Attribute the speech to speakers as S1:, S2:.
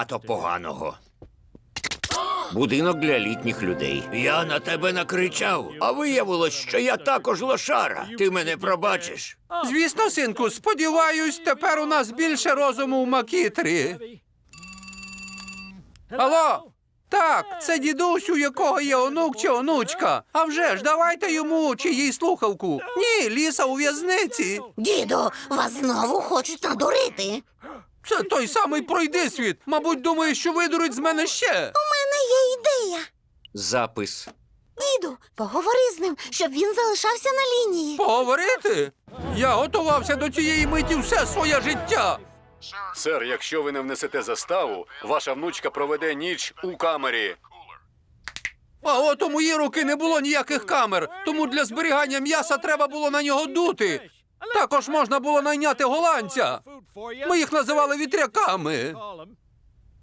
S1: а то поганого. Будинок для літніх людей. Я на тебе накричав, а виявилось, що я також лошара. Ти мене пробачиш.
S2: Звісно, синку, сподіваюсь, тепер у нас більше розуму в Макітрі. Алло? Так, це дідусь, у якого є онук чи онучка. А вже ж, давайте йому чи їй слухавку. Ні, Ліса у в'язниці.
S3: Діду, вас знову хочуть надурити.
S2: Це той самий пройдисвіт. Мабуть, думає, що видурить з мене ще.
S3: У мене є ідея.
S1: Запис.
S3: Діду, поговори з ним, щоб він залишався на лінії.
S2: Поговорити? Я готувався до цієї миті все своє життя.
S4: Сер, якщо ви не внесете заставу, ваша внучка проведе ніч у камері.
S2: А от у мої руки не було ніяких камер, тому для зберігання м'яса треба було на нього дути. Також можна було найняти голландця. Ми їх називали вітряками.